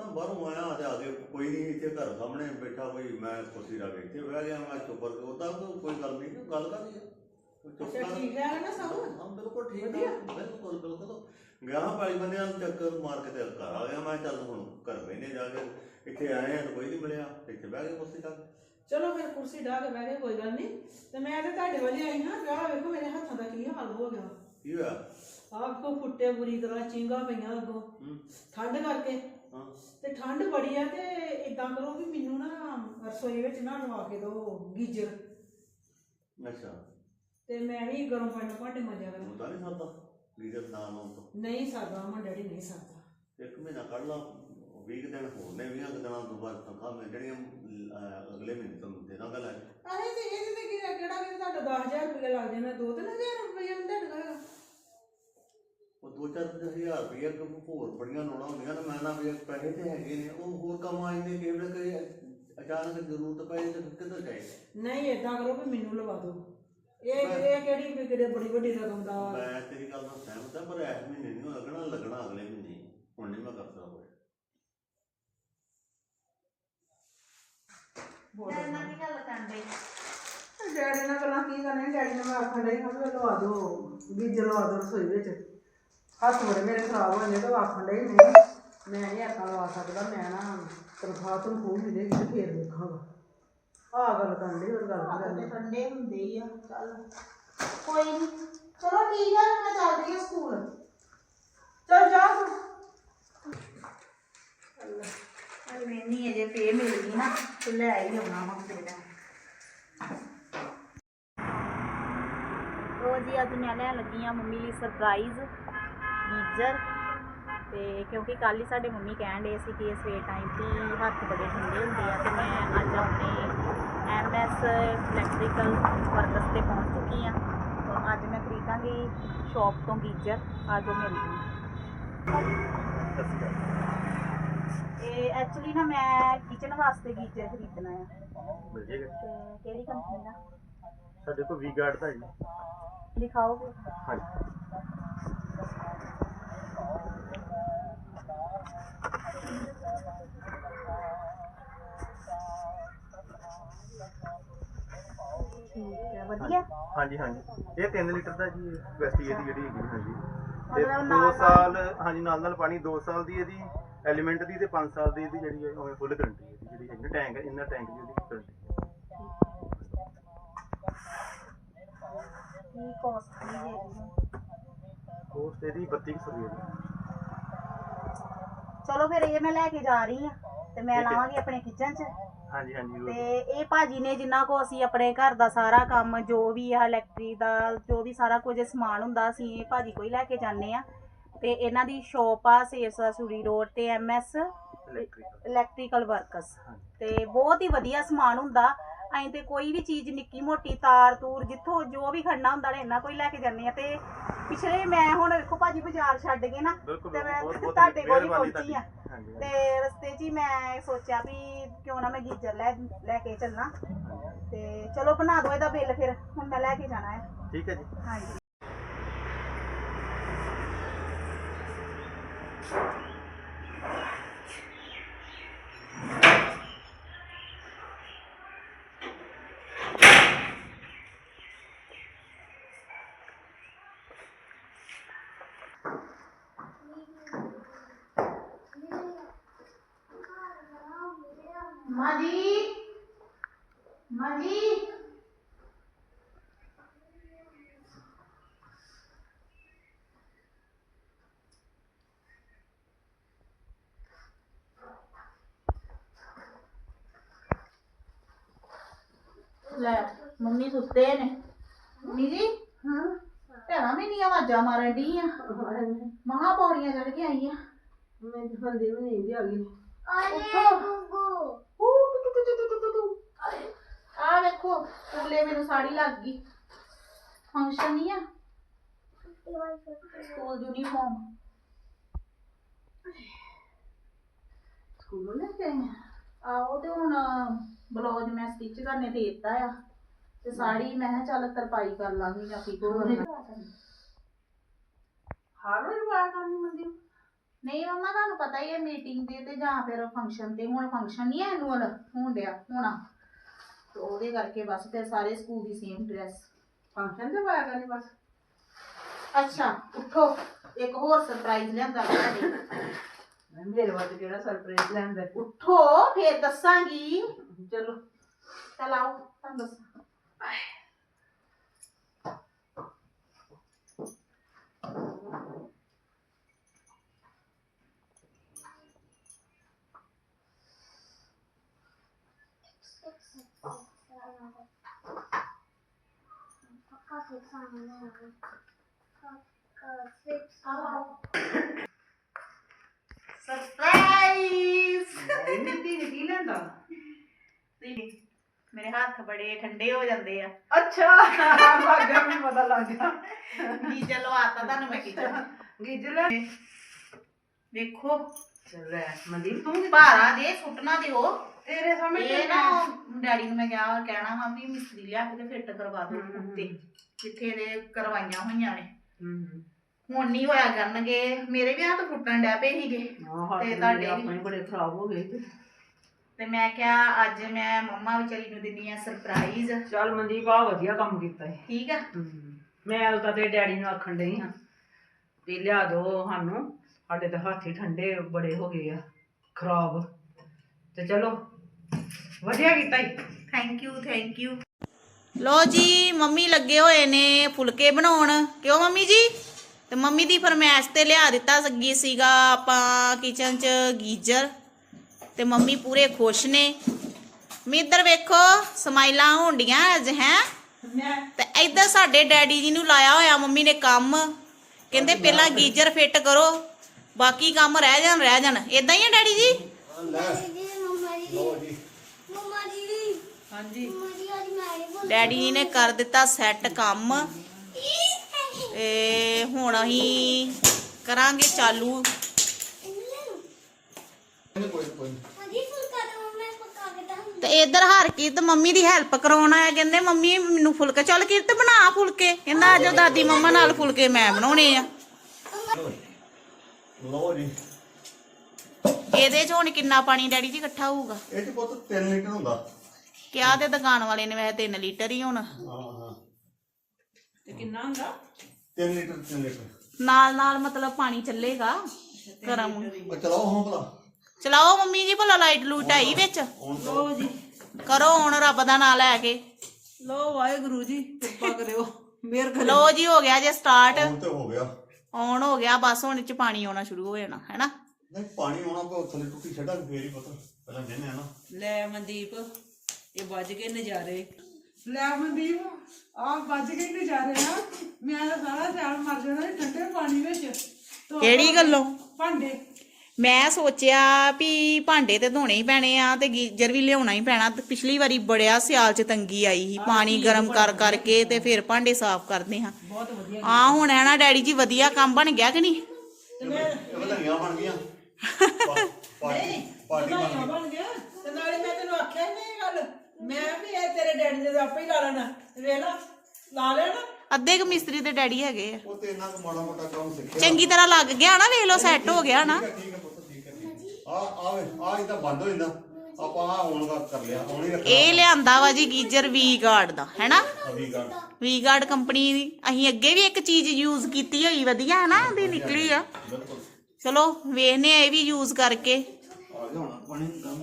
ਬਾਹਰੋਂ ਆਇਆ ਤੇ ਆ ਕੇ ਕੋਈ ਨਹੀਂ ਇੱਥੇ ਘਰ ਸਾਹਮਣੇ ਬੈਠਾ ਕੋਈ ਮੈਂ ਕੁਰਸੀ ਲਾ ਕੇ ਇੱਥੇ ਬਹਿ ਗਿਆ ਮੈਂ ਚੁੱਪ ਕਰਕੇ ਉਹਦਾ ਕੋਈ ਗੱਲ ਨਹੀਂ ਗੱਲ ਕਾਹਦੀ ਆ ਅੱਛਾ ਠੀਕ ਹੈ ਨਾ ਸਭ ਹਾਂ ਬਿਲਕੁਲ ਠੀਕ ਹੈ ਬਿਲਕੁਲ ਗਿਆ ਪਾਲੀ ਬੰਦਿਆਂ ਨੂੰ ਚੱਕਰ ਮਾਰ ਕੇ ਤੇ ਘਰ ਆ ਗਿਆ ਮੈਂ ਚੱਲ ਹੁਣ ਘਰ ਬਹਿਨੇ ਜਾ ਕੇ ਇੱਥੇ ਆਏ ਆ ਤਾਂ ਕੋਈ ਨਹੀਂ ਮਿਲਿਆ ਇੱਥੇ ਬਹਿ ਗਏ ਕੁਰਸੀ ਲਾ ਕੇ ਚਲੋ ਫਿਰ ਕੁਰਸੀ ਢਾ ਕੇ ਬਹਿ ਗਏ ਕੋਈ ਗੱਲ ਨਹੀਂ ਤੇ ਮੈਂ ਤੇ ਤੁਹਾਡੇ ਵੱਲ ਆਈ ਹਾਂ ਵਿਆਹ ਵੇਖੋ ਮੇਰੇ ਹੱਥਾਂ ਦਾ ਕੀ ਹਾਲ ਹੋ ਗਿਆ ਕੀ ਹੋਇਆ ਆਪ ਕੋ ਫੁੱਟੇ ਬੁਰੀ ਤਰ੍ਹਾਂ ਚਿੰਗਾ ਪਈਆਂ ਅੱਗੋਂ ਠੰਡ ਕਰਕੇ ਤੇ ਠੰਡ ਬੜੀ ਆ ਤੇ ਇਦਾਂ ਕਰੋ ਵੀ ਮੈਨੂੰ ਨਾ ਰਸੋਈ ਵਿੱਚ ਨਾ ਲਵਾ ਕੇ ਦਿਓ ਗੀਜ਼ਰ ਅੱਛਾ ਤੇ ਮੈਂ ਵੀ ਗਰਮ ਪਾਣੀ ਨਾਲ ਭਾਂਡੇ ਮਾਂਜਿਆ ਕਰਾਂ ਹੁੰਦਾ ਨਹੀਂ ਸਰਦਾ ਗੀਜ਼ਰ ਨਾ ਲਾਉਣ ਤੋਂ ਨਹੀਂ ਸਰਦਾ ਮਾ ਡੈਡੀ ਨਹੀਂ ਸਰਦਾ ਇੱਕ ਮਹੀਨਾ ਕੱਢ ਲਾ 20 ਦਿਨ ਹੋਰ ਨੇ 20 ਦਿਨਾਂ ਤੋਂ ਬਾਅਦ ਤਨਖਾਹ ਮਿਲ ਜਾਣੀ ਅਗਲੇ ਮਹੀਨੇ ਤੁਹਾਨੂੰ ਦੇ ਦਾਂਗਾ ਲੈ ਅਰੇ ਤੇ ਇਹਦੇ ਤੇ ਕਿਹੜਾ ਕਿ ਤੁਹਾਡਾ 10000 ਰੁਪਏ ਲੱਗ ਜਾਣਾ 2-3000 ਰੁਪਏ ਨਹੀਂ ਤੁਹਾਡਾ ਉਹ 2-4 ਹਜ਼ਾਰ ਰੁਪਏ ਹੋਰ ਬੜੀਆਂ ਲੋੜਾਂ ਹੁੰਦੀਆਂ ਨੇ ਮੈਂ ਨਾ ਵੀ ਪੈਸੇ ਤੇ ਹੈਗੇ ਨੇ ਉਹ ਹੋਰ ਕੰਮ ਆ ਜਾਂਦੇ ਕਿਹੜੇ ਕੋਈ ਅਚਾਨਕ ਜ਼ਰੂਰਤ ਪਏ ਤੇ ਕਿੱਧਰ ਜਾਏ ਨਹੀਂ ਏਦਾਂ ਕਰੋ ਵੀ ਮੈਨੂੰ ਲਵਾ ਦਿਓ ਇਹ ਕਿਹੜੀ ਕਿਹੜੇ ਬੜੀ ਵੱਡੀ ਰਕਮ ਦਾ ਮੈਂ ਤੇਰੀ ਗੱਲ ਨਾਲ ਸਹਿਮਤ ਹਾਂ ਪਰ ਇਸ ਮਹੀਨੇ ਨਹੀਂ ਲੱਗਣਾ ਅਗਲੇ ਮਹੀਨੇ ਹੁਣ ਨਹੀਂ ਮੈਂ ਕਰ ਸਕਦਾ ਡੈਡੀ ਨਾਲ ਕੀ ਗੱਲ ਕਰਦੇ ਡੈਡੀ ਨਾਲ ਗੱਲਾਂ ਕੀ ਕਰਨੇ ਡੈਡੀ ਨੇ ਮੈਂ ਆਖਣ ਡਈ ਹਾਂ ਵੀ ਲਵਾ ਦਿਓ ਗੀਜ਼ਰ ਲਵਾ ਦਿਓ ਰਸੋਈ ਵਿੱਚ ਹੱਥ ਬੜੇ ਮੇਰੇ ਖਰਾਬ ਹੋ ਜਾਂਦੇ ਤਾਂ ਆਖਣ ਡਈ ਨਹੀਂ ਮੈਂ ਨਹੀਂ ਆਖਾਂ ਲਵਾ ਸਕਦਾ ਮੈਂ ਨਾ ਤਨਖਾਹ ਮਿਲੇਗੀ ਤੇ ਫੇਰ ਦੇਖਾਂਗਾ ਆਹ ਗੱਲ ਕਰਨ ਡਈ ਹੋਰ ਗੱਲ ਕਰਨੀ ਠੰਡੇ ਹੁੰਦੇ ਹੀ ਆ ਚੱਲ ਕੋਈ ਨਹੀਂ ਚਲੋ ਠੀਕ ਆ ਮੈਂ ਚੱਲਦੀ ਆ ਸਕੂਲ ਚੱਲ ਜਾ ਚੱਲ ਮੈਨੀ ਅਜੇ ਪੇ ਮਿਲ ਗਈ ਨਾ ਤੇ ਲੈ ਹੀ ਆਉਣਾ ਵਾ ਬੇਟਾ ਜੀ ਅੱਜ ਮੈਂ ਲੈਣ ਲੱਗੀ ਆ ਮੰਮੀ ਲਈ ਸਰਪ੍ਰਾਈਜ਼ ਗੀਜ਼ਰ ਤੇ ਕਿਉਂਕਿ ਕੱਲ ਹੀ ਸਾਡੇ ਮੰਮੀ ਕਹਿਣ ਡੇ ਸੀ ਕਿ ਸਵੇਰ ਟਾਈਮ ਤੇ ਹੱਥ ਬੜੇ ਠੰਡੇ ਹੁੰਦੇ ਆ ਤੇ ਮੈਂ ਅੱਜ ਆਪਣੇ MS ਇਲੈਕਟ੍ਰੀਕਲ ਵਰਕਸ ਤੇ ਪਹੁੰਚ ਚੁੱਕੀ ਆ ਤਾਂ ਅੱਜ ਮੈਂ ਖਰੀਦਾਂਗੀ ਸ਼ੌਪ ਤੋਂ ਗੀਜ਼ਰ ਅੱਜ ਉਹ ਮਿਲਦੀ ਇਹ ਐਕਚੁਅਲੀ ਨਾ ਮੈਂ ਕਿਚਨ ਵਾਸਤੇ ਗੀਜ਼ਰ ਖਰੀਦਣਾ ਆ ਮਿਲ ਜੇਗਾ ਤੇ ਕਿਹੜੀ ਕੰਪਨੀ ਦਾ ਸਾਡੇ ਕੋਲ ਵੀ ਗਾਰਡ ਦਾ ਜੀ ਦਿਖਾਓਗੇ ਹਾਂਜੀ ਠੀਕ ਹੈ ਵਧੀਆ ਹਾਂਜੀ ਇਹ 3 ਲੀਟਰ ਦਾ ਜੀ ਕੈਪੈਸਿਟੀ ਇਹਦੀ ਜਿਹੜੀ ਹੈਗੀ ਹਾਂਜੀ ਤੇ ਮਤਲਬ 2 ਸਾਲ ਹਾਂਜੀ ਨਾਲ ਪਾਣੀ 2 ਸਾਲ ਦੀ ਇਹਦੀ ਐਲੀਮੈਂਟ ਦੀ ਤੇ 5 ਸਾਲ ਦੀ ਇਹਦੀ ਜਿਹੜੀ ਹੈ ਫੁੱਲ ਗਰੰਟੀ ਹੈ ਜਿਹੜੀ ਹੈਗੀ ਟੈਂਕ ਇੰਨਾ ਟੈਂਕ ਦੀ ਇਹਦੀ ਗਰੰਟੀ ਕੀ ਕੋਸਟ ਦੀ ਹੈਗੀ ਕੋਸਟ ਇਹਦੀ 3200 ਰੁਪਏ ਚਲੋ ਫਿਰ ਇਹ ਮੈਂ ਲੈ ਕੇ ਜਾ ਰਹੀ ਆ ਤੇ ਮੈਂ ਲਾਵਾਂਗੀ ਆਪਣੇ ਕਿਚਨ 'ਚ ਹਾਂਜੀ ਤੇ ਇਹ ਭਾਜੀ ਨੇ ਜਿੰਨਾ ਕੋ ਅਸੀਂ ਆਪਣੇ ਘਰ ਦਾ ਸਾਰਾ ਕੰਮ ਜੋ ਵੀ ਆ ਇਲੈਕਟ੍ਰਿਕ ਦਾ ਜੋ ਵੀ ਸਾਰਾ ਕੁਝ ਸਮਾਨ ਹੁੰਦਾ ਅਸੀਂ ਇਹ ਭਾਜੀ ਕੋਈ ਲੈ ਕੇ ਜਾਂਦੇ ਆ ਤੇ ਇਹਨਾਂ ਦੀ ਸ਼ੌਪ ਆ ਸੇਰਸਾ ਸੂਰੀ ਰੋਡ ਤੇ MS ਇਲੈਕਟ੍ਰੀਕਲ ਵਰਕਸ ਤੇ ਬਹੁਤ ਹੀ ਵਧੀਆ ਸਮਾਨ ਹੁੰਦਾ ਅਸੀਂ ਤੇ ਕੋਈ ਵੀ ਚੀਜ਼ ਨਿੱਕੀ ਮੋਟੀ ਤਾਰ ਤੂਰ ਜਿੱਥੋਂ ਜੋ ਵੀ ਖੜਨਾ ਹੁੰਦਾ ਨੇ ਇਹਨਾਂ ਕੋਈ ਲੈ ਕੇ ਜਾਂਦੇ ਆ ਤੇ ਪਿਛਲੇ ਮੈਂ ਹੁਣ ਵੇਖੋ ਭਾਜੀ ਬਾਜ਼ਾਰ ਛੱਡ ਕੇ ਨਾ ਤੇ ਮੈਂ ਤੁਹਾਡੇ ਕੋਲ ਹੀ ਪਹੁੰਚੀ ਆ ਤੇ ਰਸਤੇ 'ਚ ਹੀ ਮੈਂ ਸੋਚਿਆ ਵੀ ਕਿਉਂ ਨਾ ਮੈਂ ਗੀਜ਼ਰ ਲੈ ਕੇ ਚੱਲਣਾ ਤੇ ਚਲੋ ਬਣਾ ਦਿਓ ਇਹਦਾ ਬਿੱਲ ਫਿਰ ਹੁਣ ਮੈਂ ਲੈ ਕੇ ਜਾਣਾ ਹੈ ਠੀਕ ਹੈ ਜੀ ਹਾਂਜੀ ਮਾਂ ਜੀ ਲੈ ਮੰਮੀ ਸੁੱਤੇ ਨੇ ਮੰਮੀ ਜੀ ਹਾਂ ਭੈਣਾ ਵੀ ਨਹੀਂ ਆਵਾਜ਼ਾਂ ਮਾਰਨ ਡੀ ਆ ਮਹਾ ਪੌੜੀਆਂ ਚੜ ਕੇ ਆਈ ਆ ਮੈਂ ਹੰਦੀ ਵੀ ਨਹੀਂ ਆ ਗਈ ਆ ਵੇਖੋ ਥੱਲੇ ਮੈਨੂੰ ਸਾੜੀ ਲੱਗ ਗਈ ਫੰਕਸ਼ਨ ਨਹੀਂ ਆ ਸਕੂਲ ਯੂਨੀਫਾਰਮ ਸਕੂਲੋਂ ਲੈ ਕੇ ਆਈ ਆਹੋ ਤੇ ਹੁਣ ਬਲਾਉਜ ਮੈਂ ਸਟਿਚ ਕਰਨੇ ਦੇ ਦਿੱਤਾ ਆ ਤੇ ਸਾੜੀ ਮੈਂ ਕਿਹਾ ਚੱਲ ਤਰਪਾਈ ਕਰ ਲਾਂਗੀ ਜਾਂ ਪੀਕੋ ਹਰ ਰੋਜ਼ ਵਾਲ ਕਰਨੀ ਮੰਦੀ ਨਹੀਂ ਮੰਮਾ ਤੁਹਾਨੂੰ ਪਤਾ ਹੀ ਹੈ ਮੀਟਿੰਗ ਤੇ ਜਾਂ ਫਿਰ ਫੰਕਸ਼ਨ ਤੇ, ਹੁਣ ਫੰਕਸ਼ਨ ਨਹੀਂ ਹੈ ਐਨੂਅਲ ਹੋਣ ਡਿਆ ਹੋਣਾ, ਤੇ ਉਹਦੇ ਕਰਕੇ ਬਸ ਫਿਰ ਸਾਰੇ ਸਕੂਲ ਦੀ ਸੇਮ ਡਰੈਸ। ਫੰਕਸ਼ਨ ਤੇ ਪਾਇਆ ਕਰਨੀ ਬਸ। ਅੱਛਾ ਉੱਠੋ, ਇੱਕ ਹੋਰ ਸਰਪ੍ਰਾਈਜ਼ ਲਿਆਂਦਾ ਤੁਹਾਡੇ। ਮੇਰੇ ਵਾਸਤੇ ਕਿਹੜਾ ਸਰਪ੍ਰਾਈਜ਼ ਲੈਂਦਾ? ਉੱਠੋ ਫਿਰ ਦੱਸਾਂਗੀ। ਚਲੋ ਚੱਲ ਆਓ ਤੁਹਾਨੂੰ ਦੱਸਾਂ। ਸਰਪ੍ਰਾਈਜ਼। ਨੀਤੀ ਨੇ ਕੀ ਲੈਂਦਾ? ਮੇਰੇ ਹੱਥ ਬੜੇ ਠੰਡੇ ਹੋ ਜਾਂਦੇ ਆ। ਅੱਛਾ ਲੱਗ ਗਿਆ, ਮੈਨੂੰ ਪਤਾ ਲੱਗ ਗਿਆ। ਗੀਜ਼ਰ ਲਵਾਤਾ ਤੁਹਾਨੂੰ ਮੈਂ ਕਿਚਨ। ਗੀਜਰ ਲੈ ਵੇਖੋ ਚੱਲ ਲੈ ਮਨਦੀਪ, ਤੂੰ ਭਾਰਾ ਜੇ ਸੁੱਟਣਾ ਦਿਓ। ਤੇਰੇ ਸਾਹਮਣੇ ਇਹ ਨਾ ਡੈਡੀ ਨੂੰ ਮੈਂ ਕਹਿਣਾ ਵਾ ਵੀ ਮਿਸਤਰੀ ਲਿਆ ਕੇ ਤੇ ਫਿੱਟ ਕਰਵਾ ਦੋ ਉੱਤੇ, ਜਿੱਥੇ ਦੇ ਕਰਵਾਈਆਂ ਹੋਈਆਂ ਨੇ। ਹੁਣ ਨਹੀਂ ਹੋਇਆ ਕਰਨਗੇ। ਮੇਰੇ ਵੀ ਹੱਥ ਫੁੱਟਣ ਡੈ ਪਏ ਸੀਗੇ ਤੇ ਤੁਹਾਡੇ ਆਪਣੇ ਬੜੇ ਖਰਾਬ ਹੋ ਗਏ ਤੇ ਮੈਂ ਕਿਹਾ ਅੱਜ ਮੈਂ ਮੰਮਾ ਵਿਚਾਰੀ ਨੂੰ ਦਿੰਨੀ ਆ ਸਰਪ੍ਰਾਈਜ਼। ਚੱਲ ਮਨਦੀਪ ਆ ਵਧੀਆ ਕੰਮ ਕੀਤਾ ਹੈ। ਠੀਕ ਆ। ਮੈਂ ਤਾਂ ਤੇ ਡੈਡੀ ਨੂੰ ਆਖਣ ਡਈ ਹਾਂ ਵੀ ਲਿਆ ਦੋ ਸਾਨੂੰ, ਸਾਡੇ ਤਾਂ ਹੱਥ ਹੀ ਠੰਡੇ ਬੜੇ ਹੋ ਗਏ ਆ ਖਰਾਬ, ਤੇ ਚਲੋ ਵਧੀਆ ਕੀਤਾ ਹੀ। Thank you thank you. ਲੋ ਜੀ ਮੰਮੀ ਲੱਗੇ ਹੋਏ ਨੇ ਫੁਲਕੇ ਬਣਾਉਣ। ਕਿਉਂ ਮੰਮੀ ਜੀ? ਤੇ ਮੰਮੀ ਦੀ ਫਰਮਾਇਸ਼ ਤੇ ਲਿਆ ਦਿੱਤਾ ਸੀਗਾ ਆਪਾਂ ਕਿਚਨ 'ਚ ਗੀਜ਼ਰ, ਤੇ ਮੰਮੀ ਪੂਰੇ ਖੁਸ਼ ਨੇ। ਮੰਮੀ ਇੱਧਰ ਵੇਖੋ ਸਮਾਈਲਾਂ ਹੋਣਡੀਆਂ ਅੱਜ ਹੈ। ਤੇ ਇੱਧਰ ਸਾਡੇ ਡੈਡੀ ਜੀ ਨੂੰ ਲਾਇਆ ਹੋਇਆ ਮੰਮੀ ਨੇ ਕੰਮ, ਕਹਿੰਦੇ ਪਹਿਲਾਂ ਗੀਜ਼ਰ ਫਿੱਟ ਕਰੋ ਬਾਕੀ ਕੰਮ ਰਹਿ ਜਾਣ। ਇਦਾਂ ਹੀ ਆ ਡੈਡੀ ਜੀ? ਹਾਂਜੀ ਡੈਡੀ ਜੀ ਨੇ ਕਰ ਦਿੱਤਾ ਸੈੱਟ ਕੰਮ, ਤੇ ਹੁਣ ਅਸੀਂ ਕਰਾਂਗੇ ਚਾਲੂ। ਤੇ ਇਧਰ ਹਰਕੀਰਤ ਮੰਮੀ ਦੀ ਹੈਲਪ ਕਰਾਉਣ ਆਇਆ, ਕਹਿੰਦੇ ਮੰਮੀ ਮੈਨੂੰ ਫੁਲਕੇ, ਚੱਲ ਕਿਰਤ ਬਣਾ ਫੁਲਕੇ। ਕਹਿੰਦਾ ਆਜੋ ਦਾਦੀ ਮੰਮਾ ਨਾਲ ਫੁਲਕੇ ਮੈਂ ਬਣਾਉਣੇ ਆ। ਲਓ ਜੀ, ਇਹਦੇ 'ਚ ਹੁਣ ਕਿੰਨਾ ਪਾਣੀ ਡੈਡੀ ਜੀ ਇਕੱਠਾ ਹੋਊਗਾ? ਇਹ ਚ ਪੁੱਤ 3 ਲੀਟਰ ਹੁੰਦਾ। ਕਿਹਾ ਤੇ ਦੁਕਾਨ ਵਾਲੇ ਨੇ ਵੈਸੇ 3 ਲੀਟਰ ਹੀ ਹੋਣਾ। ਹਾਂ ਤੇ ਕਿੰਨਾ ਹੁੰਦਾ? 3 ਲੀਟਰ ਨਾਲ ਮਤਲਬ ਪਾਣੀ ਚੱਲੇਗਾ ਗਰਮ। ਉਹ ਚਲਾਓ ਹੁਣ ਭਲਾ। ਚਲਾਓ ਮੰਮੀ ਜੀ ਭਲਾ, ਲਾਈਟ ਲੂਟ ਆਈ ਵਿੱਚ? ਲੋ ਜੀ ਕਰੋ ਹੁਣ ਰੱਬ ਦਾ ਨਾਂ ਲੈ ਕੇ। ਲੋ ਵਾਹਿਗੁਰੂ ਜੀ ਕਿਰਪਾ ਕਰਿਓ, ਮਿਹਰ ਕਰਿਓ। ਲੋ ਜੀ ਹੋ ਗਿਆ ਜੇ ਸਟਾਰਟ, ਹੁਣ ਤੇ ਹੋ ਗਿਆ। ਔਨ ਹੋ ਗਿਆ ਬਸ। ਹੁਣ ਇਹ 'ਚ ਪਾਣੀ ਆਉਣਾ ਸ਼ੁਰੂ ਹੋ ਜਾਣਾ ਹੈ ਨਾ। ਨਹੀਂ ਪਾਣੀ ਆਉਣਾ ਕੋ ਥੱਲੇ ਟੁੱਟੀ ਛੱਡਾ ਫੇਰ ਹੀ ਪਤਾ ਪਹਿਲਾਂ ਦੇਨੇ ਆ ਨਾ। ਲੈ ਮਨਦੀਪ ਇਹ ਵੱਜ ਕੇ ਨਜ਼ਾਰੇ। ਲੈ ਮਨਦੀਪ ਆ ਵੱਜ ਕੇ ਨਜ਼ਾਰੇ ਆ। ਮੈਂ ਤਾਂ ਸਾਰਾ ਸਿਆਲ ਮਰ ਜਾਣਾ ਠੰਡੇ ਪਾਣੀ ਵਿੱਚ। ਕਿਹੜੀ ਗੱਲੋਂ? ਭਾਂਡੇ ਮੈਂ ਸੋਚਿਆ ਵੀ ਭਾਂਡੇ ਤੇ ਧੋਣੇ ਹੀ ਪੈਣੇ ਆ ਤੇ ਗੀਜ਼ਰ ਵੀ ਲਿਆਉਣਾ ਹੀ ਪੈਣਾ। ਤੇ ਪਿਛਲੀ ਵਾਰੀ ਬੜਿਆ ਸਿਆਲ 'ਚ ਤੰਗੀ ਆਈ ਸੀ, ਪਾਣੀ ਗਰਮ ਕਰ ਕਰਕੇ ਤੇ ਫਿਰ ਭਾਂਡੇ ਸਾਫ਼ ਕਰਦੇ ਹਾਂ। ਬਹੁਤ ਵਧੀਆ। ਆ ਹੁਣ ਹੈ ਨਾ ਡੈਡੀ ਜੀ, ਵਧੀਆ ਕੰਮ ਬਣ ਗਿਆ ਕਿ ਨਹੀਂ? ਇਹ ਵਧਾਈਆਂ ਬਣ ਗਈਆਂ। ਪਾਰਟੀ ਬਣ ਗਿਆ। ਤੇ ਨਾਲੇ ਮੈਂ ਤੈਨੂੰ ਆਖਿਆ ਹੀ ਨਹੀਂ ਗੱਲ, ਮੈਂ ਵੀ ਇਹ ਤੇਰੇ ਡੈਡੀ ਦੇ ਆਪੇ ਹੀ ਲਾ ਲੈਣਾ। ਵੇਖ ਲਾ ਲੈਣਾ। ਅੱਧੇ ਕੁ ਮਿਸਤਰੀ ਤੇ ਡੈਡੀ ਹੈਗੇ ਆ। ਉਹ ਤੇ ਇਹਨਾਂ ਨੂੰ ਮਾੜਾ ਮੋਟਾ ਕੰਮ ਸਿੱਖਿਆ। ਚੰਗੀ ਤਰ੍ਹਾਂ ਲੱਗ ਗਿਆ ਨਾ, ਵੇਖ ਲਓ ਸੈੱਟ ਹੋ ਗਿਆ ਨਾ। ਠੀਕ ਹੈ ਪੁੱਤ, ਠੀਕ ਹੈ। ਆ ਇਦਾਂ ਬੰਦ ਹੋ ਜਾਂਦਾ। ਆਪਾਂ ਆ ਔਨ ਕਰ ਲਿਆ, ਔਨ ਹੀ ਰੱਖਣਾ। ਇਹ ਲਿਆਂਦਾ ਵਾ ਜੀ ਗੀਜ਼ਰ ਵੀ ਗਾਰਡ ਦਾ, ਹੈਨਾ? ਵੀ ਗਾਰਡ ਕੰਪਨੀ ਦੀ। ਅਸੀਂ ਅੱਗੇ ਵੀ ਇੱਕ ਚੀਜ਼ ਯੂਜ਼ ਕੀਤੀ ਹੋਈ, ਵਧੀਆ ਹੈ ਨਾ, ਇਹਦੀ ਨਿਕਲੀ ਆ। ਚਲੋ ਵੇਖਨੇ ਆ ਇਹ ਵੀ ਯੂਜ਼ ਕਰਕੇ। ਆ ਗਿਆ ਹੁਣ ਪਾਣੀ ਕੰਮ।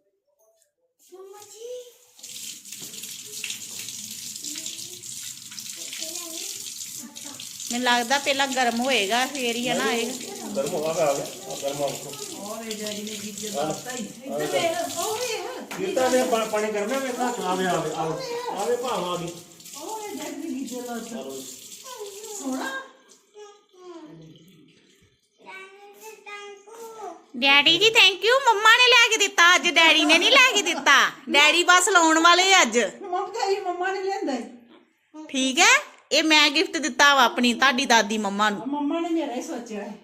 ਮੈਨੂੰ ਲੱਗਦਾ ਪਹਿਲਾਂ ਗਰਮ ਹੋਏਗਾ ਫੇਰ ਹੀ ਹੈ ਨਾ ਆਏਗਾ। ਗਰਮ ਹੋ ਗਿਆ, ਆ ਗਿਆ ਗਰਮ ਆ ਗਿਆ। ਓਏ ਡੈਡੀ ਨੇ ਗੀਜੇ ਲਾਤਾ ਹੀ। ਇੱਧਰ ਵੇਖ, ਉਹ ਵੇਖ। ਕੀਤਾ ਨੇ ਪਾਣੀ ਗਰਮ ਹੈ, ਵੇਖਾ ਆਵੇ ਭਾਵ ਆ ਗਈ। ਓਏ ਡੈਡੀ ਨੇ ਗੀਜੇ ਲਾਤਾ। ਸੋਹਣਾ। ਡੈਡੀ ਜੀ ਥੈਂਕ ਯੂ। ਮੰਮਾ ਨੇ ਲੈ ਕੇ ਦਿੱਤਾ ਅੱਜ, ਡੈਡੀ ਨੇ ਨਹੀਂ ਲੈ ਕੇ ਦਿੱਤਾ। ਡੈਡੀ ਬਸ ਲਾਉਣ ਵਾਲੇ ਅੱਜ। ਮੰਮਾ ਨੇ ਲਿਆਂਦਾ। ਠੀਕ ਹੈ, ਇਹ ਮੈਂ ਗਿਫਟ ਦਿੱਤਾ ਵਾ ਆਪਣੀ ਤੁਹਾਡੀ ਦਾਦੀ ਮੰਮਾ ਨੂੰ। ਮੰਮਾ ਨੇ ਮੇਰਾ ਹੀ ਸੋਚਿਆ ਹੈ।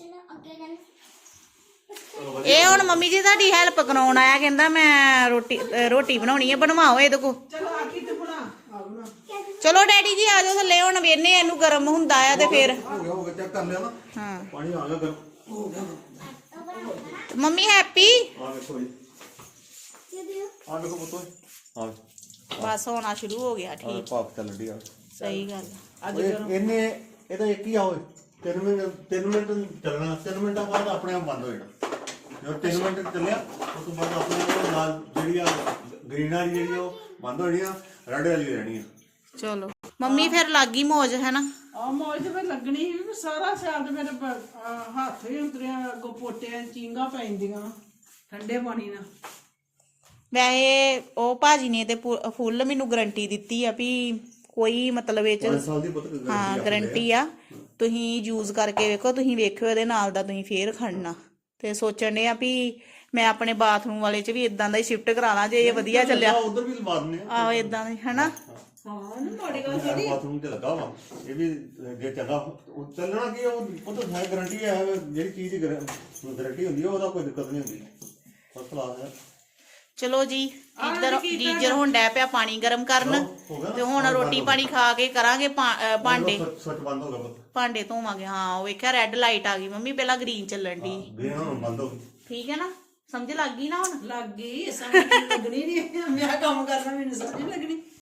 ਇਹ ਹੁਣ ਮੰਮੀ ਜੀ ਤੁਹਾਡੀ ਹੈਲਪ ਕਰਾਉਣ ਆਇਆ, ਕਹਿੰਦਾ ਮੈਂ ਰੋਟੀ ਬਣਾਉਣੀ ਹੈ, ਬਣਵਾਓ ਇਹਦੇ ਕੋ। ਚਲੋ ਆ ਕੀ ਤੇ ਬਣਾ ਆ ਬਣਾ। ਚਲੋ ਡੈਡੀ ਜੀ ਆ ਜਾਓ ਥੱਲੇ, ਹੁਣ ਵੇਨੇ ਇਹਨੂੰ ਗਰਮ ਹੁੰਦਾ ਆ ਤੇ ਫਿਰ। ਹੋ ਗਿਆ ਚੈੱਕ ਕਰ ਲਿਆ ਨਾ। ਹਾਂ ਪਾਣੀ ਆ ਗਿਆ ਗਰਮ। ਮੰਮੀ ਹੈਪੀ ਆ ਵੇਖੋ ਜੀ ਆ ਵੇਖੋ ਪੁੱਤੋ ਆ ਬਸ ਹੋਣਾ ਸ਼ੁਰੂ ਹੋ ਗਿਆ ਠੀਕ ਭਾਪ ਚੱਲ ਰਹੀ ਆ ਸਹੀ ਗੱਲ ਅੱਜ ਇਹਨੇ ਇਹਦਾ ਇੱਕ ਹੀ ਆ ਓਏ 3 ਮਿੰਟ ਚੱਲਣਾ 3 ਮਿੰਟਾਂ ਬਾਅਦ ਆਪਣੇ ਆਪ ਬੰਦ ਹੋ ਜਾਣਾ ਜਦੋਂ 3 ਮਿੰਟ ਚੱਲਿਆ ਉਸ ਤੋਂ ਬਾਅਦ ਆਪਣੇ ਆਪ ਨਾਲ ਜਿਹੜੀ ਆ ਗ੍ਰੀਨ ਵਾਲੀ ਜਿਹੜੀ ਉਹ ਬੰਦ ਹੋ ਜਾਣੀ ਆ ਰੈੱਡ ਵਾਲੀ ਰਹਿਣੀ ਆ ਚਲੋ ਮੰਮੀ ਫਿਰ ਲੱਗੀ ਮੌਜ ਹੈ ਨਾ ਆ ਮੌਜ ਤੇ ਫਿਰ ਲੱਗਣੀ ਸੀ ਵੀ ਸਾਰਾ ਸਿਆਲ ਤੇ ਮੇਰੇ ਹੱਥ ਹੀ ਉਤਰਿਆ ਅੱਗੋਂ ਪੋਟਿਆਂ ਚੀਂਗਾ ਪੈਂਦੀਆਂ ਠੰਡੇ ਪਾਣੀ ਨਾਲ ਵੈਸੇ ਉਹ ਭਾਜੀ ਨੇ ਤੇ ਫੁੱਲ ਮੈਨੂੰ ਗਰੰਟੀ ਦਿੱਤੀ ਆ ਵੀ ਕੋਈ ਮਤਲਬ ਇਹ ਚ 5 ਸਾਲ ਦੀ ਪੁੱਤ ਹਾਂ ਗਰੰਟੀ ਆ ਤੁਸੀਂ ਯੂਜ਼ ਕਰਕੇ ਵੇਖੋ ਤੁਸੀਂ ਵੇਖਿਓ ਇਹਦੇ ਨਾਲ ਦਾ ਤੁਸੀਂ ਫੇਰ ਖੜਨਾ ਤੇ ਸੋਚਣ ਦੇ ਆ ਵੀ ਮੈਂ ਆਪਣੇ ਬਾਥਰੂਮ ਵਾਲੇ ਚ ਵੀ ਇਦਾਂ ਦਾ ਹੀ ਸ਼ਿਫਟ ਕਰਾ ਲਾਂ ਜੇ ਇਹ ਵਧੀਆ ਚੱਲਿਆ ਉਧਰ ਵੀ ਲਵਾ ਦਿੰਦੇ ਆ ਆਹੋ ਇਦਾਂ ਦਾ ਹੈਨਾ ਹਾਂ ਨਾ ਤੁਹਾਡੀ ਗੱਲ ਜਿਹੜੀ ਬਾਥਰੂਮ ਤੇ ਲੱਗਾ ਵਾ ਇਹ ਵੀ ਜੇ ਚੰਗਾ ਉਹ ਚੱਲਣਾ ਕੀ ਉਹ ਤਾਂ ਹੈ ਗਾਰੰਟੀ ਹੈ ਜਿਹੜੀ ਚੀਜ਼ ਦੀ ਗਾਰੰਟੀ ਹੁੰਦੀ ਹੈ ਉਹਦਾ ਕੋਈ ਦਿੱਕਤ ਨਹੀਂ ਹੁੰਦੀ ਫਸਟ ਕਲਾਸ ਹੈ ਚਲੋ ਜੀ ਇੱਧਰ ਗੀਜ਼ਰ ਹੁਣ ਡੈ ਪਿਆ ਪਾਣੀ ਗਰਮ ਕਰਨ ਤੇ ਹੁਣ ਰੋਟੀ ਪਾਣੀ ਖਾ ਕੇ ਕਰਾਂਗੇ ਭਾਂਡੇ ਸੱਚ ਬੰਦ ਹੋ ਗਿਆ ਪੁੱਤ ਭਾਂਡੇ ਧੋਵਾਂਗੇ ਹਾਂ ਉਹ ਵੇਖਿਆ ਰੈੱਡ ਲਾਈਟ ਆ ਗਈ ਮੰਮੀ ਪਹਿਲਾਂ ਗ੍ਰੀਨ ਚੱਲਣ ਦੀ ਗ੍ਰੀਨ ਹੁਣ ਬੰਦ ਹੋ ਗਈ ਠੀਕ ਹੈ ਨਾ ਸਮਝ ਲੱਗ ਗਈ ਨਾ ਹੁਣ ਲੱਗ ਗਈ ਸਮਝ ਲੱਗਣੀ ਨਹੀਂ ਮੈਂ ਕੰਮ ਕਰਨਾ ਮੈਨੂੰ ਸਮਝ ਲੱਗਣੀ